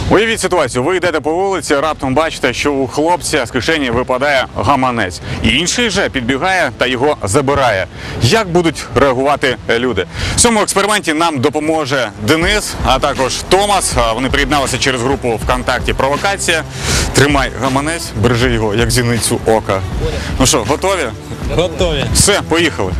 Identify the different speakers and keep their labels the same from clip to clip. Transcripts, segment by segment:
Speaker 1: Уявіть ситуацію, ви йдете по вулиці, раптом бачите, що у хлопця з кишені випадає гаманець. Інший же підбігає та його забирає. Як будуть реагувати люди? В цьому експерименті нам допоможе Денис, а також Томас. Вони приєдналися через групу ВКонтакті «Провокація». Тримай гаманець, бережи його, як зіницю ока. Ну що, готові?
Speaker 2: Готові.
Speaker 1: Все, поїхали.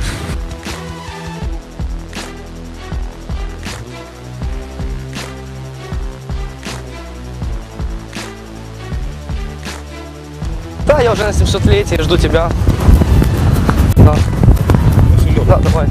Speaker 3: Да, я уже на 700-летии, жду тебя. Да. Да, давай.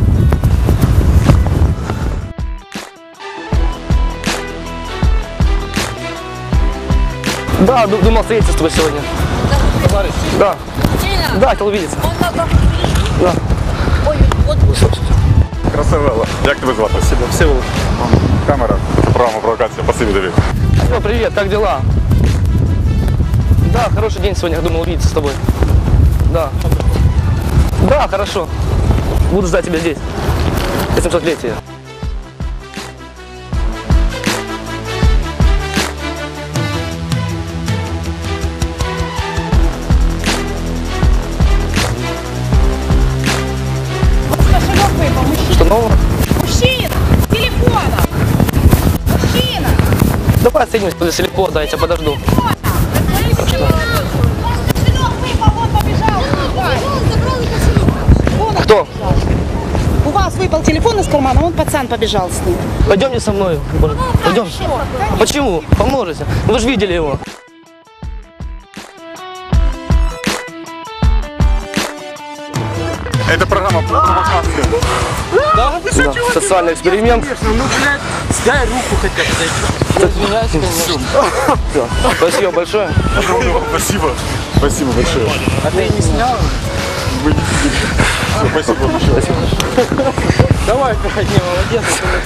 Speaker 3: Да, думал встретиться с тобой сегодня. Да. Да, хотел увидеться. Да.
Speaker 4: Ой, вот.
Speaker 1: Красавелла. Як тебе звати?
Speaker 3: Спасибо, Всеволод.
Speaker 1: Камера. Програма «Провокація». Спасибо тобі.
Speaker 3: Ну, привет, как дела? Да, хороший день сегодня, думал увидеться с тобой. Да. Да, хорошо. Буду ждать тебя здесь. 800-летие.
Speaker 4: Кошелек выпал, мужчина.
Speaker 3: Что нового?
Speaker 4: Мужчина! Телефона! Мужчина!
Speaker 3: Давай встретимся возле Селипо, да, я тебя подожду.
Speaker 4: Кошелек выпал, он побежал. Вон он
Speaker 3: Кто?
Speaker 4: побежал. У вас выпал телефон из кармана, вон пацан побежал с ним.
Speaker 3: Пойдемте со мной. Пойдем.
Speaker 4: Хорошо.
Speaker 3: Почему? Поможете. Вы же видели его.
Speaker 1: Это программа «Провокация».
Speaker 3: Да? Да. Социальный эксперимент.
Speaker 2: Ну, блядь, дай руку хотя бы. Извиняюсь, конечно.
Speaker 3: Да. Спасибо большое.
Speaker 1: Спасибо. Спасибо большое.
Speaker 2: А ты не снял?
Speaker 1: Вы не видели. Всё, спасибо большое.
Speaker 2: Давай, проходи, молодец.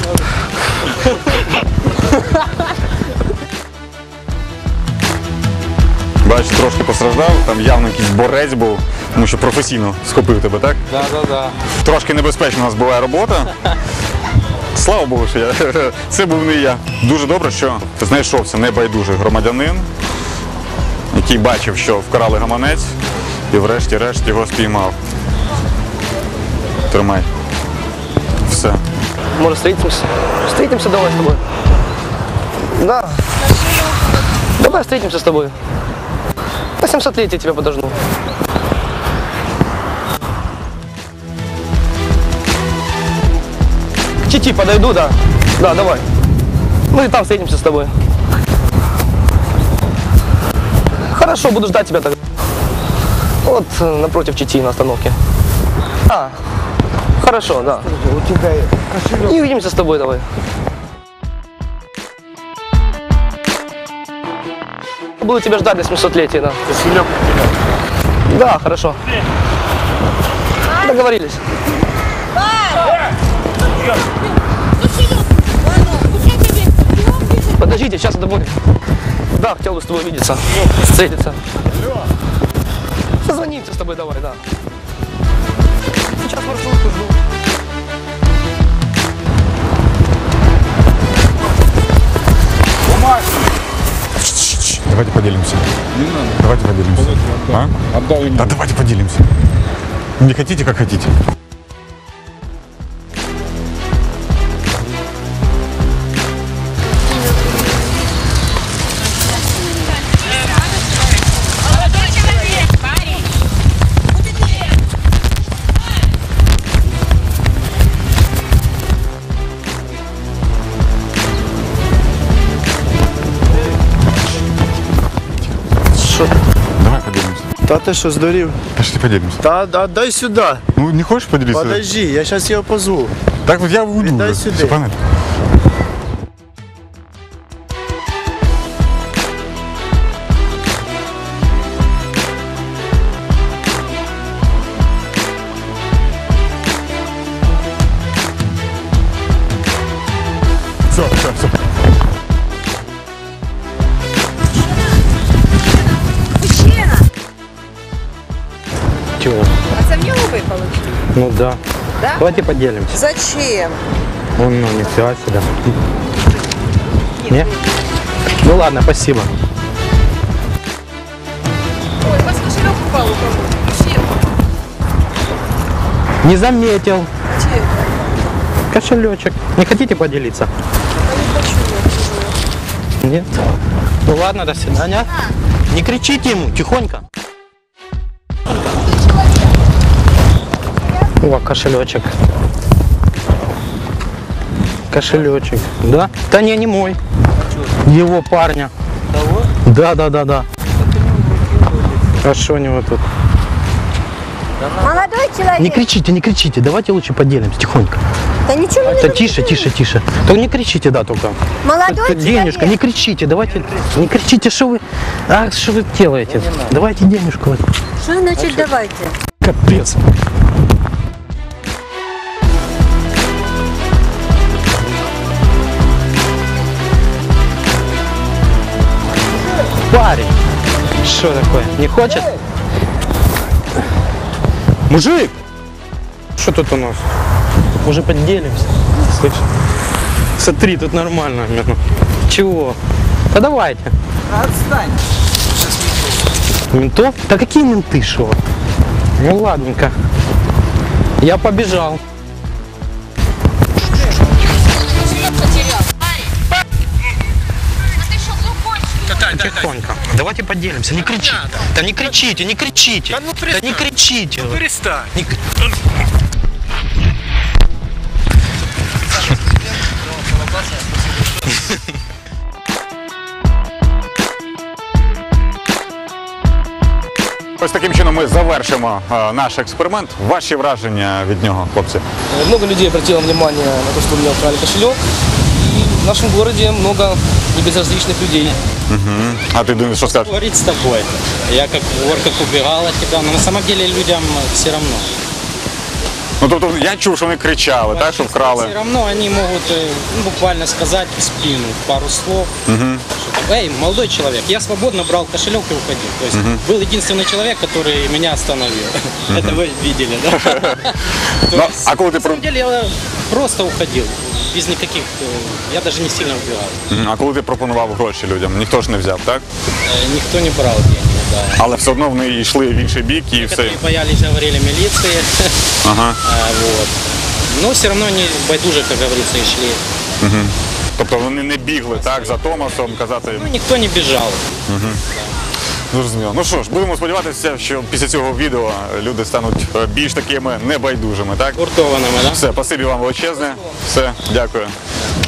Speaker 1: Бачиш, трошки постраждав, там явно якийсь борець був, тому що професійно схопив тебе, так?
Speaker 2: Да.
Speaker 1: Трошки небезпечна у нас була робота. Слава Богу, що це був не я. Дуже добре, що знайшовся небайдужий громадянин, який бачив, що вкрали гаманець і врешті-решт його спіймав. Тримай. Все.
Speaker 3: Может, встретимся? Встретимся давай с тобой. Да. Давай встретимся с тобой. На 700-летие тебя подожду. К Чити подойду, да. Да, давай. Ну и там встретимся с тобой. Хорошо, буду ждать тебя тогда. Вот напротив Чити на остановке. А, хорошо, да. И увидимся с тобой давай. Буду тебя ждать на 700-летие, да. Да, хорошо. Договорились. Подождите, сейчас домой. Да, хотел бы с тобой увидеться. Встретиться. Созвонимся с тобой давай, да. Сейчас маршрутку жду.
Speaker 1: Давайте поделимся.
Speaker 2: Не надо.
Speaker 1: Давайте поделимся. А?
Speaker 2: Отдай мне.
Speaker 1: Да давайте поделимся. Не хотите, как хотите.
Speaker 5: Що?
Speaker 1: Давай поделимся.
Speaker 5: Та ти що, здурів?
Speaker 1: Пошли поделимся.
Speaker 5: Та дай сюди.
Speaker 1: Ну, не хочешь поделиться?
Speaker 5: Подожди, я зараз його позву.
Speaker 1: Так вот я уйду.
Speaker 5: Дай
Speaker 1: уже.
Speaker 5: сюда.
Speaker 1: Всё понятно. Все.
Speaker 4: Мужчина!
Speaker 2: Чего?
Speaker 4: А це в нього випало?
Speaker 2: Ну да.
Speaker 4: Да?
Speaker 2: Давайте поделимся.
Speaker 4: Зачем?
Speaker 2: Ну, нифига себе. Не?
Speaker 6: Ну ладно, спасибо.
Speaker 7: Ой, у вас кошелек упал у кого? Чей?
Speaker 6: Не заметил.
Speaker 7: Чей?
Speaker 6: Кошелечек. Не хотите поделиться?
Speaker 7: Я не хочу, я чужой.
Speaker 6: Нет. Ну ладно, до свидания. Не кричите ему, тихонько. О, кошелечек. Кошелечек. Да? Да не мой. Его парня.
Speaker 2: Того?
Speaker 6: Да. А что у него тут?
Speaker 8: Молодой человек.
Speaker 6: Не кричите, давайте лучше поделимся, тихонько.
Speaker 8: Да ничего не
Speaker 6: Да
Speaker 8: надо.
Speaker 6: тише. Только не кричите, да, только.
Speaker 8: Молодой
Speaker 6: Так, денежка,
Speaker 8: человек.
Speaker 6: не кричите, давайте. Не кричите, что вы. А что вы делаете? Давайте денежку.
Speaker 8: Что значит давайте?
Speaker 6: Капец. Парень. Что такое? Не хочет? Мужик! Что тут у нас? Уже поделимся. Слышь? Смотри, тут нормально. Чего? Да давайте.
Speaker 2: Отстань.
Speaker 6: Ментов? Да какие менты, шо? Ну ладненько. Я побежал. Тихонько. Давайте поделимся. Не кричите. Да не кричите, не кричите. Да не кричите.
Speaker 2: Перестань.
Speaker 6: Не кр-
Speaker 1: Ось таким чином ми завершимо наш експеримент. Ваші враження від нього, хлопці?
Speaker 3: Много людей обратило внимание на то, что у меня украли кошелек. И в нашем городе много небезразличных людей.
Speaker 1: А ти думаєш, що скажеш?
Speaker 9: Говорить с тобой. Я как вор, как убегал от тебя, но на самом деле людям все равно.
Speaker 1: Ну тобто я чув, що вони кричали, так, що вкрали.
Speaker 9: Все равно они могут буквально сказать в спину пару слов. Что там, эй, молодой человек, я свободно брал кошелек и уходил. То есть был единственный человек, который меня остановил. Это вы видели, да? То
Speaker 1: Ну,
Speaker 9: есть,
Speaker 1: а коли ти
Speaker 9: на самом деле я просто уходил. Без никаких, я даже не сильно убегал.
Speaker 1: А коли ти пропонував гроші людям, ніхто ж не взяв, так?
Speaker 9: Никто не брал деньги, да.
Speaker 1: Але все одно вони йшли в інший бік і все.
Speaker 9: Некоторые боялись, говорили милиции.
Speaker 1: Ага.
Speaker 9: Вот. Но все равно они байдуже, как говорится, и шли.
Speaker 1: Тобто вони не бігли так за Томасом, казати.
Speaker 9: Ну, никто не бежал.
Speaker 1: Зрозуміло. Ну що ж, будемо сподіватися, що після цього відео люди стануть більш такими небайдужими, так?
Speaker 9: Гуртованными, да?
Speaker 1: Все, спасибі вам величезне. Все, дякую.